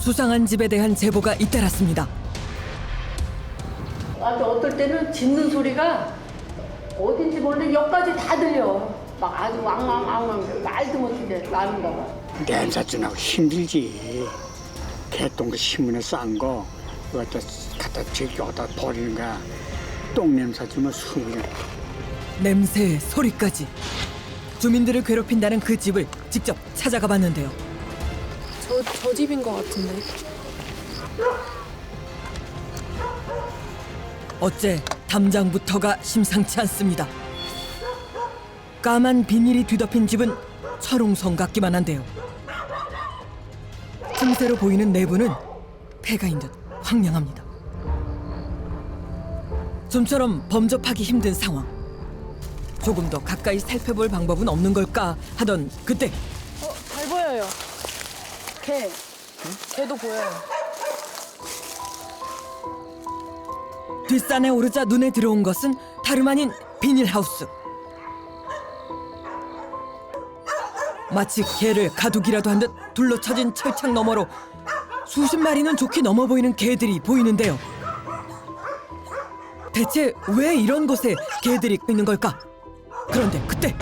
수상한 집에 대한 제보가 잇따랐습니다. 아주 어떨 때는 짖는 소리가 어딘지 모르는데 여기까지 다 들려. 막 아주 왕왕왕왕 말도 못하게 나는가 봐. 냄새준하고 힘들지. 개똥 신문에 싼 거 갖다 저기 어디다 버리는 거야. 똥 냄새 주면 숨이. 냄새, 소리까지. 주민들을 괴롭힌다는 그 집을 직접 찾아가 봤는데요. 저 집인 것 같은데. 어째 담장부터가 심상치 않습니다. 까만 비닐이 뒤덮인 집은 철옹성 같기만 한데요. 틈새로 보이는 내부는 폐가인 듯 황량합니다. 좀처럼 범접하기 힘든 상황. 조금 더 가까이 살펴볼 방법은 없는 걸까 하던 그때 잘 보여요. 개도 보여요. 뒷산에 오르자 눈에 들어온 것은 다름 아닌 비닐하우스. 마치 개를 가두기라도 한 듯 둘러쳐진 철창 너머로 수십 마리는 좋게 넘어 보이는 개들이 보이는데요. 대체 왜 이런 곳에 개들이 있는 걸까? 그런데 그때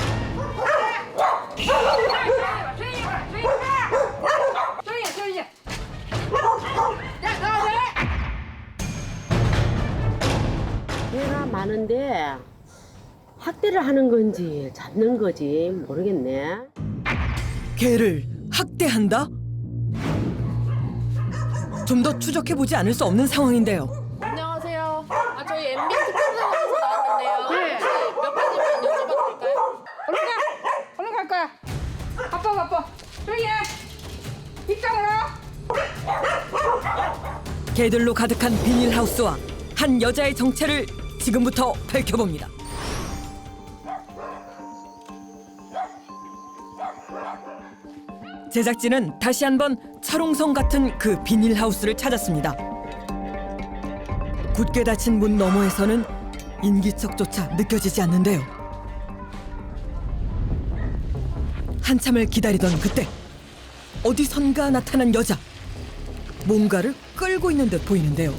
개가 많은데 학대를 하는 건지 잡는 거지 모르겠네. 개를 학대한다? 좀 더 추적해보지 않을 수 없는 상황인데요. 안녕하세요. 저희 MB 특별사에서 나왔는데요. 네. 몇 가지만 여쭤봐도 될까요? 얼른 갈 거야. 바빠. 조용히 해. 빗장으로. 개들로 가득한 비닐하우스와 한 여자의 정체를 지금부터 밝혀봅니다. 제작진은 다시 한번 철옹성 같은 그 비닐하우스를 찾았습니다. 굳게 닫힌 문 너머에서는 인기척조차 느껴지지 않는데요. 한참을 기다리던 그때 어디선가 나타난 여자. 뭔가를 끌고 있는 듯 보이는데요.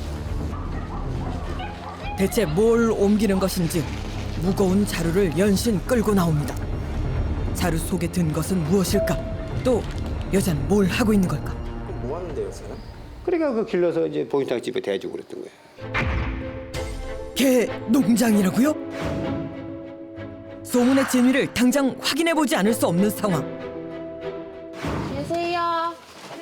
대체 뭘 옮기는 것인지 무거운 자루를 연신 끌고 나옵니다. 자루 속에 든 것은 무엇일까? 또 여자는 뭘 하고 있는 걸까? 뭐 하는데요, 요새는? 그러니까 그 길러서 이제 보인탕집에 대주고 그랬던 거야. 개 농장이라고요? 소문의 진위를 당장 확인해보지 않을 수 없는 상황. 계세요.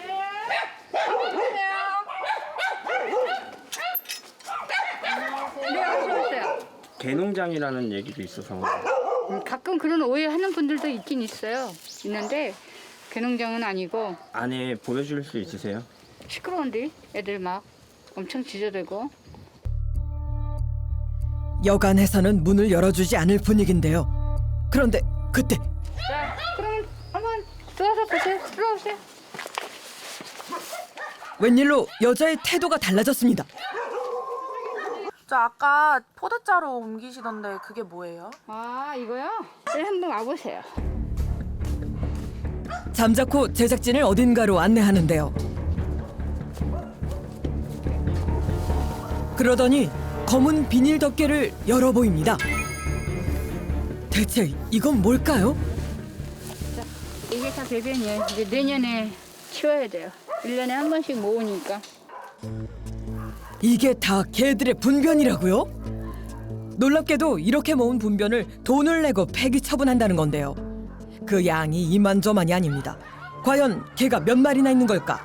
네, 어서 오세요. 개농장이라는 얘기도 있어서 가끔 그런 오해하는 분들도 있긴 있어요. 있는데 개농장은 아니고 안에 보여줄 수 있으세요? 시끄러운데 애들 막 엄청 짖어대고. 여간해서는 문을 열어주지 않을 분위기인데요. 그런데 그때 자, 그럼 한번 들어와서 보세요. 들어오세요. 웬일로 여자의 태도가 달라졌습니다. 저 아까 포대자루 옮기시던데 그게 뭐예요? 아, 이거요? 네, 한번 와보세요. 잠자코 제작진을 어딘가로 안내하는데요. 그러더니 검은 비닐 덮개를 열어 보입니다. 대체 이건 뭘까요? 이게 다 배변이에요. 이제 내년에 치워야 돼요. 1년에 한 번씩 모으니까. 이게 다 개들의 분변이라고요? 놀랍게도 이렇게 모은 분변을 돈을 내고 폐기 처분한다는 건데요. 그 양이 이만저만이 아닙니다. 과연 개가 몇 마리나 있는 걸까?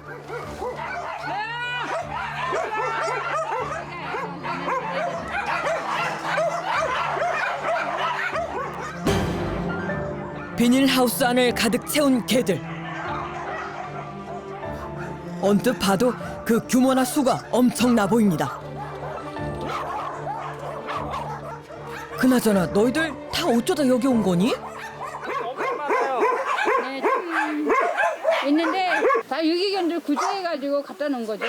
비닐하우스 안을 가득 채운 개들. 언뜻 봐도 그 규모나 수가 엄청나 보입니다. 그나저나 너희들 다 어쩌다 여기 온 거니? 네, 좀 있는데 다 유기견들 구조해가지고 갖다 놓은 거죠.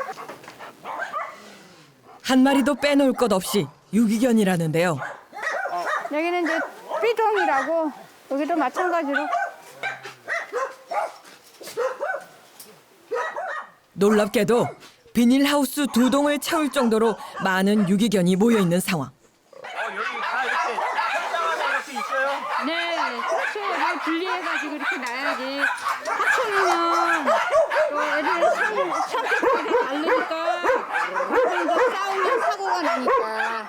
한 마리도 빼놓을 것 없이 유기견이라는데요. 여기는 이제 삐동이라고 여기도 마찬가지로 놀랍게도 비닐하우스 2동을 채울 정도로 많은 유기견이 모여 있는 상황. 여기 다 이렇게 한장하면 이렇게 있어요? 네, 그렇죠. 잘 분리해가지고 이렇게 놔야지. 합쳐놓으면 또 애들 성격들이 다르니까 그러니까 싸우면 사고가 나니까.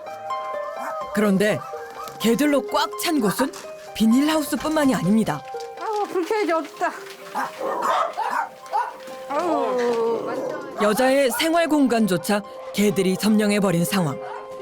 그런데 개들로 꽉 찬 곳은 비닐하우스뿐만이 아닙니다. 아우 불쾌해져 없다. 아우 여자의 생활 공간조차 개들이 점령해버린 상황.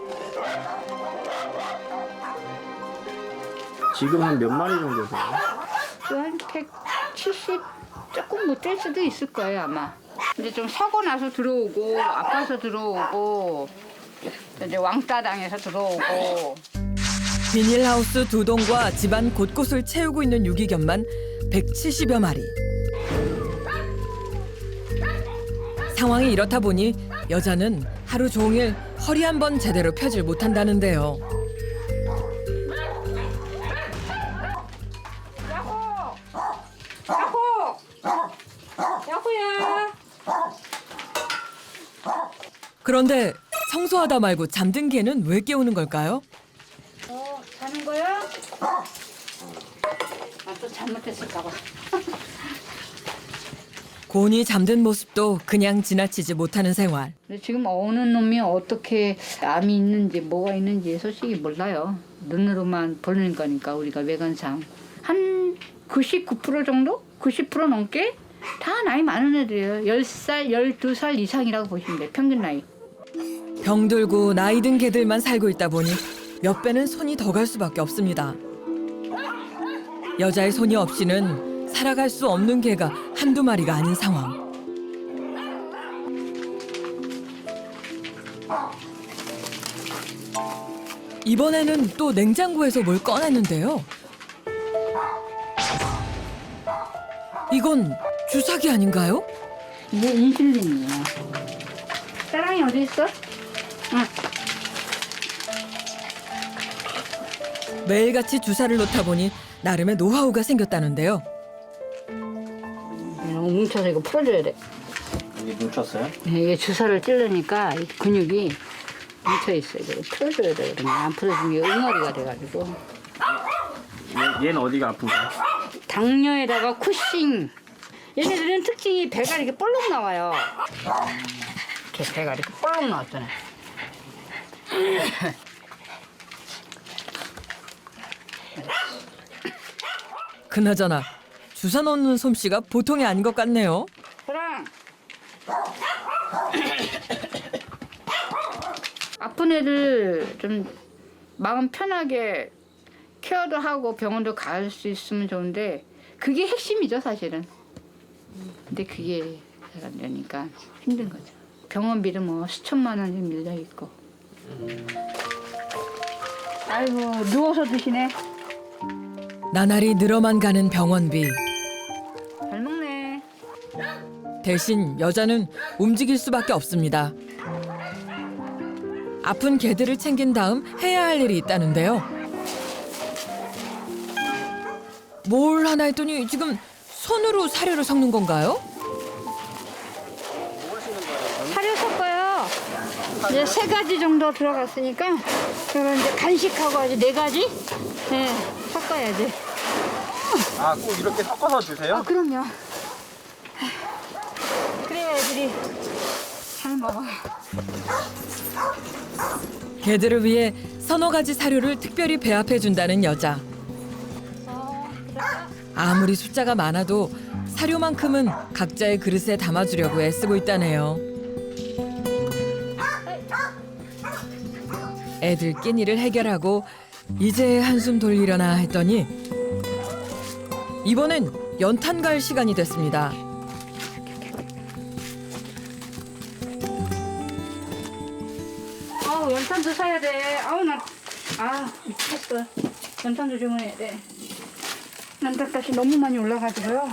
지금 한 몇 마리 정도 되세요? 한 170 조금 못 될 수도 있을 거예요 아마. 근데 좀 사고 나서 들어오고 아파서 들어오고 이제 왕따 당해서 들어오고. 비닐하우스 2동과 집안 곳곳을 채우고 있는 유기견만 170여 마리. 상황이 이렇다 보니 여자는 하루 종일 허리 한 번 제대로 펴질 못한다는데요. 야호야. 그런데 청소하다 말고 잠든 개는 왜 깨우는 걸까요? 자는 거야? 아 또 잘못했을까 봐. 곤히 잠든 모습도 그냥 지나치지 못하는 생활. 근데 지금 어느 놈이 어떻게 암이 있는지 뭐가 있는지 솔직히 몰라요. 눈으로만 보는 거니까 우리가 외관상 한 99% 정도? 90% 넘게 다 나이 많은 애들이에요. 10살, 12살 이상이라고 보시면 돼요. 평균 나이. 병들고 나이 든 개들만 살고 있다 보니 몇 배는 손이 더 갈 수밖에 없습니다. 여자의 손이 없이는 살아갈 수 없는 개가 한두 마리가 아닌 상황. 이번에는 또 냉장고에서 뭘 꺼냈는데요. 이건 주사기 아닌가요? 이게 인슐린이에요. 사랑이 어디 있어? 응. 매일같이 주사를 놓다 보니 나름의 노하우가 생겼다는데요. 이거 뭉쳐서 이거 풀어줘야 돼. 여기 뭉쳤어요? 네, 이게 주사를 찌르니까 이 근육이 뭉쳐 있어요. 이거 풀어줘야 돼. 그러면 안 풀어주면 응어리가 돼가지고. 얘는 어디가 아픈가요? 당뇨에다가 쿠싱. 얘네들은 특징이 배가 이렇게 볼록 나와요. 이렇게 배가 이렇게 볼록 나왔잖아요. 그나저나 주사 놓는 솜씨가 보통이 아닌 것 같네요. 그럼 아픈 애들 좀 마음 편하게 케어도 하고 병원도 갈 수 있으면 좋은데 그게 핵심이죠 사실은. 근데 그게 잘 안 되니까 힘든 거죠. 병원비도 뭐 수천만 원이 밀려 있고. 아이고 누워서 드시네. 나날이 늘어만 가는 병원비. 잘 먹네. 대신 여자는 움직일 수밖에 없습니다. 아픈 개들을 챙긴 다음 해야 할 일이 있다는데요. 뭘 하나 했더니 지금 손으로 사료를 섞는 건가요? 사료 섞어요. 이제 3가지 정도 들어갔으니까 그러면 이제 간식하고 아주 4가지 네, 섞어야지. 아, 꼭 이렇게 섞어서 주세요? 그럼요. 그래야 애들이 잘 먹어. 개들을 위해 서너 가지 사료를 특별히 배합해 준다는 여자. 아무리 숫자가 많아도 사료만큼은 각자의 그릇에 담아주려고 애쓰고 있다네요. 애들 끼니를 해결하고 이제 한숨 돌리려나 했더니 이번엔 연탄 갈 시간이 됐습니다. 아우 연탄도 사야 돼. 아우 미쳤어. 연탄도 주문해야 돼. 연탄값이 너무 많이 올라가지고요.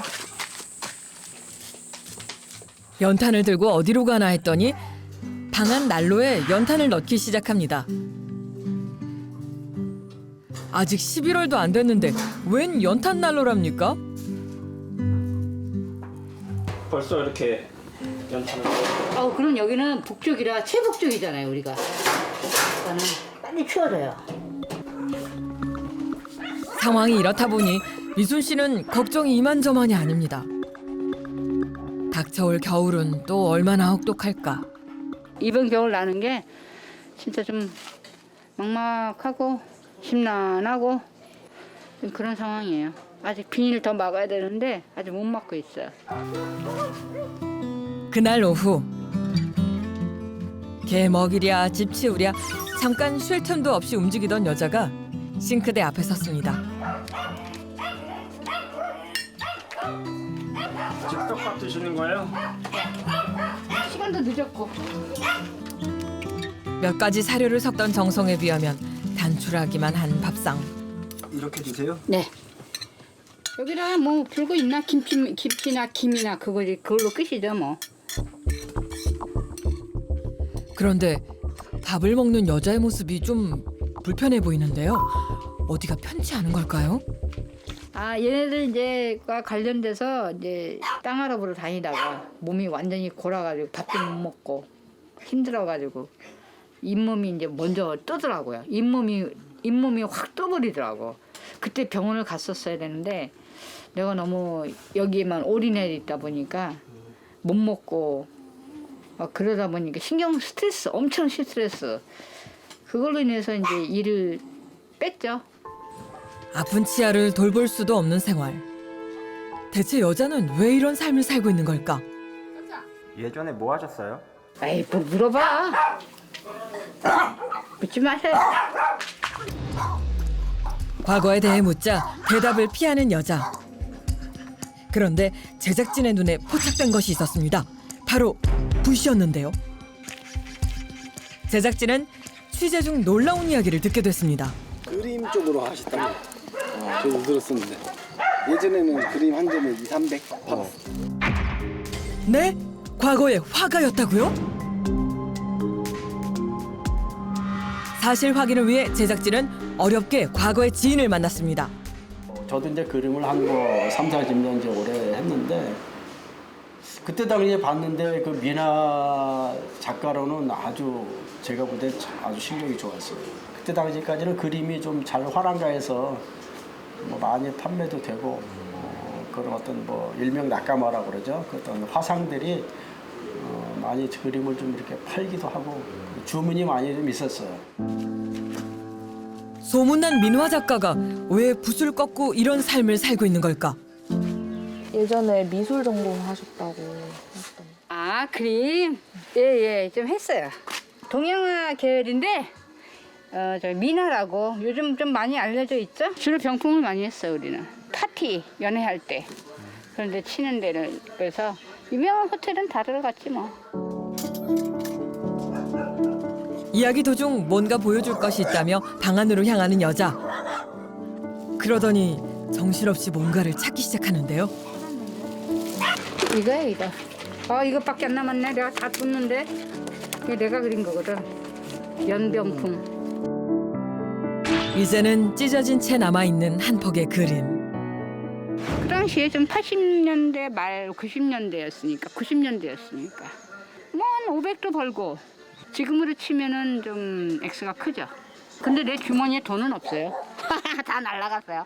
연탄을 들고 어디로 가나 했더니 방 안 난로에 연탄을 넣기 시작합니다. 아직 11월도 안 됐는데 웬 연탄 난로랍니까? 벌써 이렇게 그럼 여기는 북쪽이라 최북쪽이잖아요, 우리가. 그러니까는 빨리 추워져요. 상황이 이렇다 보니 미순 씨는 걱정이 이만저만이 아닙니다. 닥쳐올 겨울은 또 얼마나 혹독할까. 이번 겨울 나는 게 진짜 좀 막막하고 심란하고 좀 그런 상황이에요. 아직 비닐 더 막아야 되는데 아직 못 막고 있어요. 그날 오후 개 먹이랴 집 치우랴 잠깐 쉴 틈도 없이 움직이던 여자가 싱크대 앞에 섰습니다. 지금 떡밥 드시는 거예요? 시간도 늦었고. 몇 가지 사료를 섞던 정성에 비하면 단출하기만 한 밥상. 이렇게 드세요? 네. 여기다 뭐 불고 있나 김치나 김이나 그걸로 끝이죠 뭐. 그런데 밥을 먹는 여자의 모습이 좀 불편해 보이는데요. 어디가 편치 않은 걸까요? 얘네들 이제과 관련돼서 이제 땅 알아보러 다니다가 몸이 완전히 골아가지고 밥도 못 먹고 힘들어가지고 잇몸이 이제 먼저 뜨더라고요. 잇몸이 확 떠버리더라고. 그때 병원을 갔었어야 되는데 내가 너무 여기에만 올인해 있다 보니까 못 먹고 그러다 보니까 엄청 스트레스. 그걸로 인해서 이제 일을 뺐죠. 아픈 치아를 돌볼 수도 없는 생활. 대체 여자는 왜 이런 삶을 살고 있는 걸까? 예전에 뭐 하셨어요? 에이, 뭐 물어봐. 묻지 마세요. 과거에 대해 묻자 대답을 피하는 여자. 그런데 제작진의 눈에 포착된 것이 있었습니다. 바로 붓이었는데요. 제작진은 취재 중 놀라운 이야기를 듣게 됐습니다. 그림 쪽으로 하시다고 저도 들었었는데 예전에는 그림 한 점에 200, 300 팔았어요. 네? 과거에 화가였다고요? 사실 확인을 위해 제작진은 어렵게 과거의 지인을 만났습니다. 저도 이제 그림을 한 거 3, 40년 이제 오래 했는데 그때 당시에 봤는데 그 미나 작가로는 아주 제가 볼 때 아주 실력이 좋았어요. 그때 당시까지는 그림이 좀 잘 활황가해서 뭐 많이 판매도 되고 그런 어떤 뭐 일명 낙가마라고 그러죠. 그 어떤 화상들이 많이 그림을 좀 이렇게 팔기도 하고 주문이 많이 좀 있었어요. 소문난 민화 작가가 왜 붓을 꺾고 이런 삶을 살고 있는 걸까? 예전에 미술 전공하셨다고 하셨던데. 그림? 예, 좀 했어요. 동양화 계열인데, 저 미나라고 요즘 좀 많이 알려져 있죠? 주로 병풍을 많이 했어요, 우리는. 파티, 연애할 때. 그런데 치는 데는, 그래서 유명한 호텔은 다 들어갔지 뭐. 이야기 도중 뭔가 보여줄 것이 있다며 방 안으로 향하는 여자. 그러더니 정신없이 뭔가를 찾기 시작하는데요. 이거야, 이거. 이것밖에 안 남았네. 내가 다 뒀는데. 이게 내가 그린 거거든. 연병풍. 이제는 찢어진 채 남아있는 한 폭의 그림. 그 당시에 좀 80년대 말 90년대였으니까 뭐 한 500도 벌고 지금으로 치면은 좀 액수가 크죠. 근데 내 주머니에 돈은 없어요. 다 날라갔어요.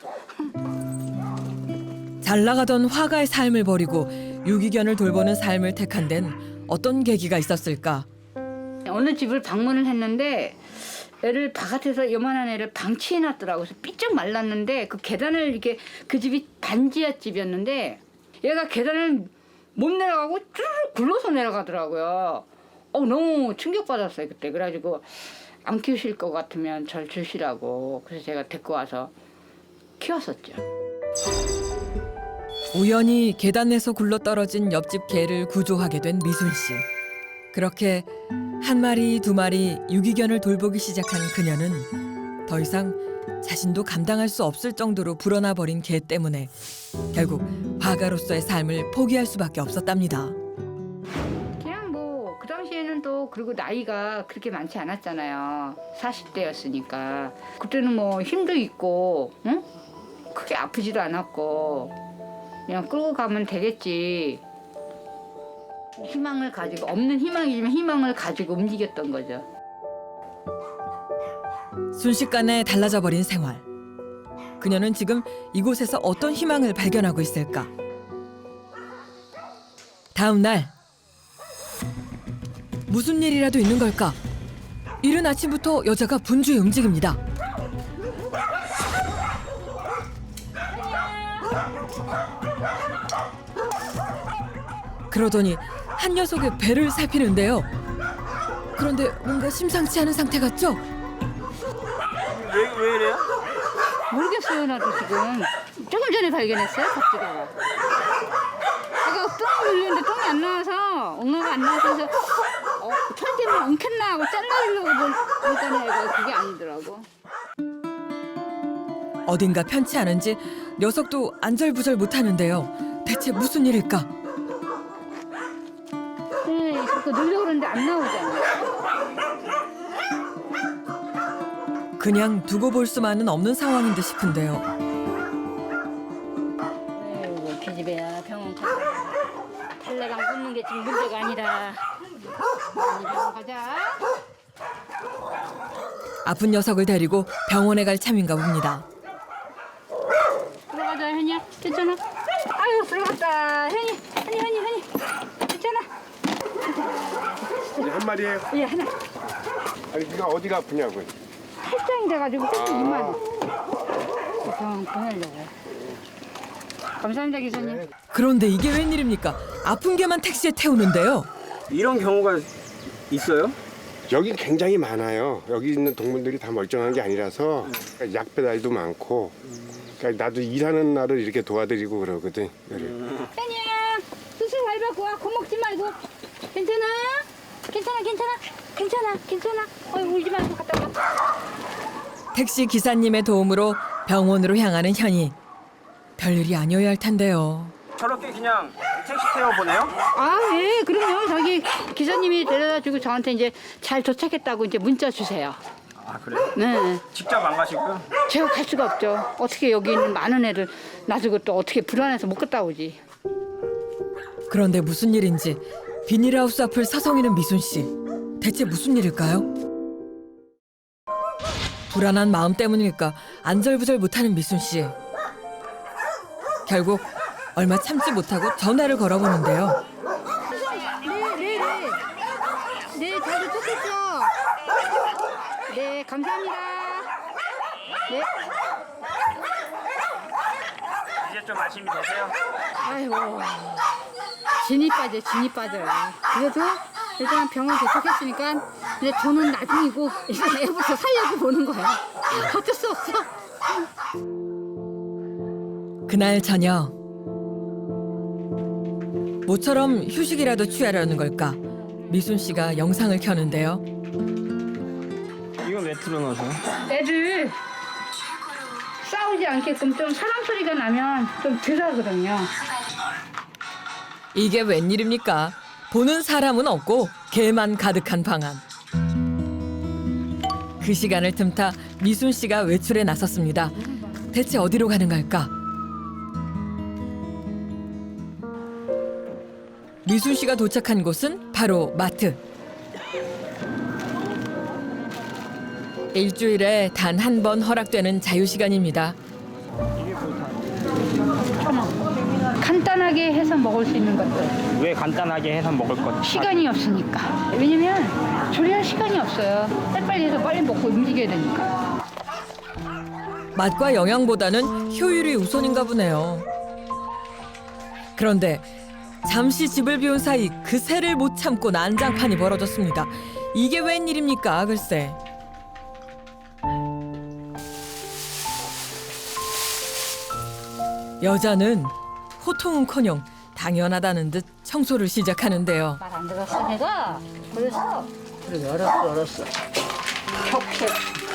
잘 나가던 화가의 삶을 버리고 유기견을 돌보는 삶을 택한 데는 어떤 계기가 있었을까? 어느 집을 방문을 했는데 애를 바깥에서 요만한 애를 방치해놨더라고. 그래서 삐쩍 말랐는데 그 계단을 이렇게 그 집이 반지하 집이었는데 얘가 계단을 못 내려가고 쭉 굴러서 내려가더라고요. 너무 충격받았어요 그때. 그래가지고 안 키우실 것 같으면 절 주시라고. 그래서 제가 데리고 와서 키웠었죠. 우연히 계단에서 굴러떨어진 옆집 개를 구조하게 된 미순 씨. 그렇게 한 마리 두 마리 유기견을 돌보기 시작한 그녀는 더 이상 자신도 감당할 수 없을 정도로 불어나 버린 개 때문에 결국 화가로서의 삶을 포기할 수밖에 없었답니다. 그냥 뭐 그 당시에는 또 그리고 나이가 그렇게 많지 않았잖아요. 40대였으니까 그때는 뭐 힘도 있고 응? 크게 아프지도 않았고 그냥 끌고 가면 되겠지. 희망을 가지고 없는 희망이지만 희망을 가지고 움직였던 거죠. 순식간에 달라져 버린 생활. 그녀는 지금 이곳에서 어떤 희망을 발견하고 있을까? 다음 날 무슨 일이라도 있는 걸까? 이른 아침부터 여자가 분주히 움직입니다. 그러더니 한 녀석의 배를 살피는데요. 그런데 뭔가 심상치 않은 상태 같죠? 왜 이래요? 모르겠어요. 나도 지금 조금 전에 발견했어요. 갑자기 제가 똥을 눌리는데 똥이 안 나와서 엉어가 안 나와서 털 때문에 엉켰나 하고 잘라주려고 보니까 그게 아니더라고. 어딘가 편치 않은지 녀석도 안절부절 못하는데요. 대체 무슨 일일까? 네, 자꾸 누르려고 그러는데 안 나오잖아. 그냥 두고 볼 수만은 없는 상황인 듯 싶은데요. 아이고 기집애야 병원 가자. 탈레강 붓는 게 지금 문제가 아니라 병원 가자. 아픈 녀석을 데리고 병원에 갈 참인가 봅니다. 들어가자 현이야. 괜찮아? 아유 들어갔다. 현이 괜찮아? 한 마리예요? 예 하나. 아니 네가 어디가 아프냐고. 팔짱이 돼가지고 조금 이만 병원 보내려고. 감사합니다 기사님. 그런데 이게 웬일입니까? 아픈 개만 택시에 태우는데요. 이런 경우가 있어요? 여기 굉장히 많아요. 여기 있는 동물들이 다 멀쩡한 게 아니라서 그러니까 약 배달도 많고. 그러니까 나도 일하는 날을 이렇게 도와드리고 그러거든. 현이야 수술 잘 받고 와. 겁먹지 말고. 괜찮아? 괜찮아. 울지 말고 갔다 와. 택시 기사님의 도움으로 병원으로 향하는 현이. 별일이 아니어야 할 텐데요. 저렇게 그냥 택시 태워보내요? 아, 예, 그럼요. 저기 기사님이 데려다주고 저한테 이제 잘 도착했다고 이제 문자 주세요. 아 그래요? 네. 직접 안 가시고요? 제가 갈 수가 없죠. 어떻게 여기 있는 많은 애를 놔두고 또 어떻게 불안해서 못 갔다 오지. 그런데 무슨 일인지 비닐하우스 앞을 서성이는 미순 씨. 대체 무슨 일일까요? 불안한 마음 때문일까 안절부절 못하는 미순 씨. 결국 얼마 참지 못하고 전화를 걸어보는데요. 네, 잘 도착했죠? 네, 감사합니다. 네. 이제 좀 안심이 되세요? 아이고. 진이 빠져요. 그래도 일단 병원 도착했으니까 이제 저는 나중이고 이제 애부터 살려고 보는 거야. 어쩔 수 없어. 그날 저녁 모처럼 휴식이라도 취하려는 걸까 미순 씨가 영상을 켜는데요. 이건 왜 틀어놓으세요? 애들 싸우지 않게끔 좀 사람 소리가 나면 좀 덜하거든요. 이게 웬일입니까? 보는 사람은 없고 개만 가득한 방안. 그 시간을 틈타 미순 씨가 외출에 나섰습니다. 대체 어디로 가는 걸까? 미순 씨가 도착한 곳은 바로 마트. 일주일에 단 한 번 허락되는 자유시간입니다. 간단하게 해서 먹을 수 있는 것들. 왜 간단하게 해서 먹을 것? 시간이 없으니까. 왜냐면 조리할 시간이 없어요. 빨리빨리 해서 빨리 먹고 움직여야 되니까. 맛과 영양보다는 효율이 우선인가 보네요. 그런데 잠시 집을 비운 사이 그새를 못 참고 난장판이 벌어졌습니다. 이게 웬일입니까, 글쎄. 여자는 호통은커녕 당연하다는 듯 청소를 시작하는데요. 말 안 들었어 내가. 그래서 그래 알았어. 격색.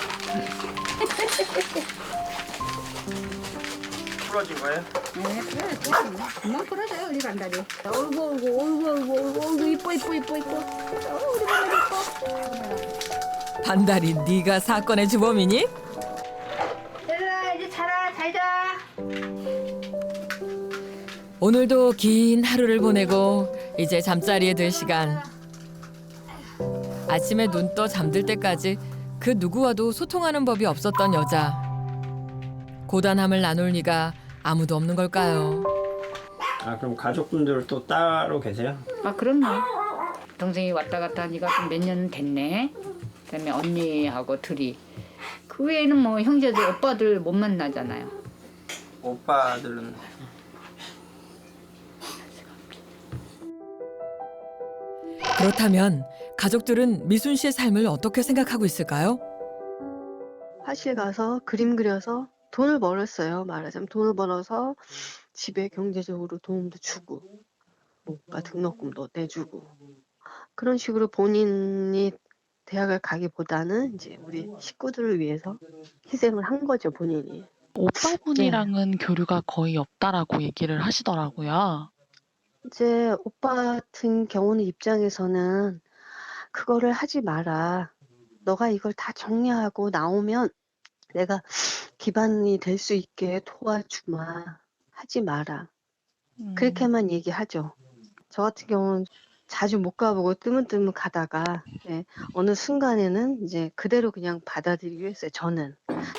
풀어진 거예요? 네 그래 금방 풀어져요 우리 반다리. 어이구 이뻐. 우리 반다리 이뻐. 반달이 네가 사건의 주범이니? 얘들아 이제 자라 잘 자. 오늘도 긴 하루를 보내고 이제 잠자리에 들 시간. 아침에 눈 떠 잠들 때까지 그 누구와도 소통하는 법이 없었던 여자. 고단함을 나눌 리가 아무도 없는 걸까요? 아 그럼 가족분들 또 따로 계세요? 아 그럼요. 동생이 왔다 갔다 하니까 좀 몇 년 됐네. 그다음에 언니하고 둘이. 그 외에는 뭐 형제들 오빠들 못 만나잖아요. 오빠들은 그렇다면 가족들은 미순 씨의 삶을 어떻게 생각하고 있을까요? 화실 가서 그림 그려서 돈을 벌었어요. 말하자면 돈을 벌어서 집에 경제적으로 도움도 주고 뭐가 등록금도 내주고 그런 식으로 본인이 대학을 가기보다는 이제 우리 식구들을 위해서 희생을 한 거죠, 본인이. 오빠분이랑은 교류가 거의 없다라고 얘기를 하시더라고요. 이제 오빠 같은 경우는 입장에서는 그거를 하지 마라. 너가 이걸 다 정리하고 나오면 내가 기반이 될 수 있게 도와주마. 하지 마라. 그렇게만 얘기하죠. 저 같은 경우는 자주 못 가보고 뜨문뜨문 가다가 어느 순간에는 이제 그대로 그냥 받아들이기로 했어요. 저는.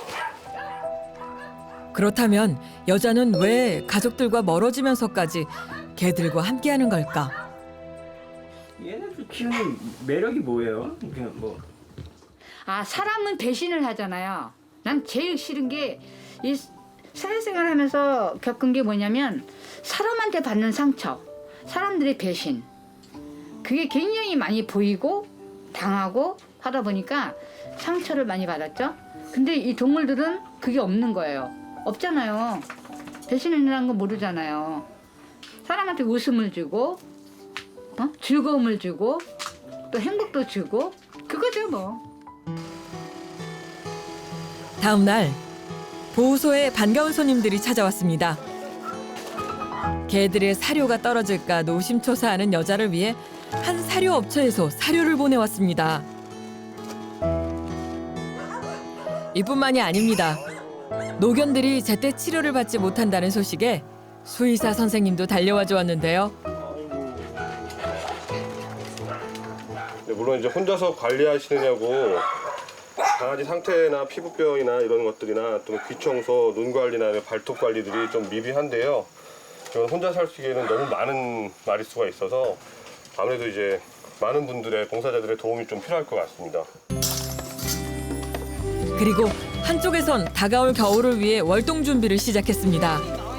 그렇다면 여자는 왜 가족들과 멀어지면서까지 개들과 함께하는 걸까? 얘네들 키우는 매력이 뭐예요? 그냥 뭐 아 사람은 배신을 하잖아요. 난 제일 싫은 게 이 사회생활 하면서 겪은 게 뭐냐면 사람한테 받는 상처, 사람들의 배신. 그게 굉장히 많이 보이고 당하고 하다 보니까 상처를 많이 받았죠. 근데 이 동물들은 그게 없는 거예요. 없잖아요. 배신이라는 거 모르잖아요. 사람한테 웃음을 주고 즐거움을 주고 또 행복도 주고 그거죠 뭐. 다음 날 보호소에 반가운 손님들이 찾아왔습니다. 개들의 사료가 떨어질까 노심초사하는 여자를 위해 한 사료 업체에서 사료를 보내왔습니다. 이뿐만이 아닙니다. 노견들이 제때 치료를 받지 못한다는 소식에 수의사 선생님도 달려와 주었는데요. 물론 이제 혼자서 관리하시느냐고 강아지 상태나 피부병이나 이런 것들이나 또 귀 청소, 눈 관리나 발톱 관리들이 좀 미비한데요. 이건 혼자 살기에는 너무 많은 마리수가 있어서 아무래도 이제 많은 분들의 봉사자들의 도움이 좀 필요할 것 같습니다. 그리고 한쪽에선 다가올 겨울을 위해 월동 준비를 시작했습니다.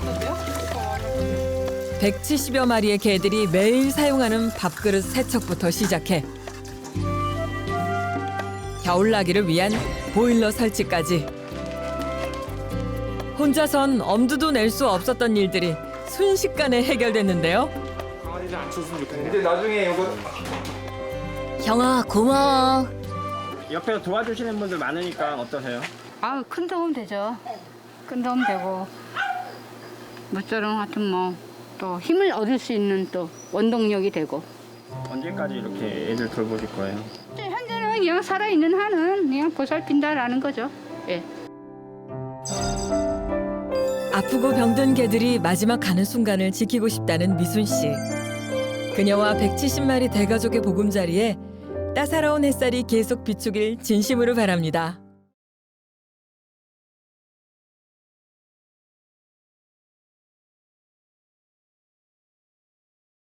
170여 마리의 개들이 매일 사용하는 밥그릇 세척부터 시작해 겨울나기를 위한 보일러 설치까지. 혼자선 엄두도 낼 수 없었던 일들이 순식간에 해결됐는데요. 강아지들 안 쳤으면 좋겠네. 근데 나중에 이거 형아 고마워. 옆에서 도와주시는 분들 많으니까 어떠세요? 아, 큰 도움 되죠. 큰 도움 되고 모처럼 하여튼 뭐 또 힘을 얻을 수 있는 또 원동력이 되고. 언제까지 이렇게 애들 돌보실 거예요? 현재는 그냥 살아있는 한은 그냥 보살핀다라는 거죠. 예. 아프고 병든 개들이 마지막 가는 순간을 지키고 싶다는 미순 씨. 그녀와 170마리 대가족의 보금자리에 따사로운 햇살이 계속 비추길 진심으로 바랍니다.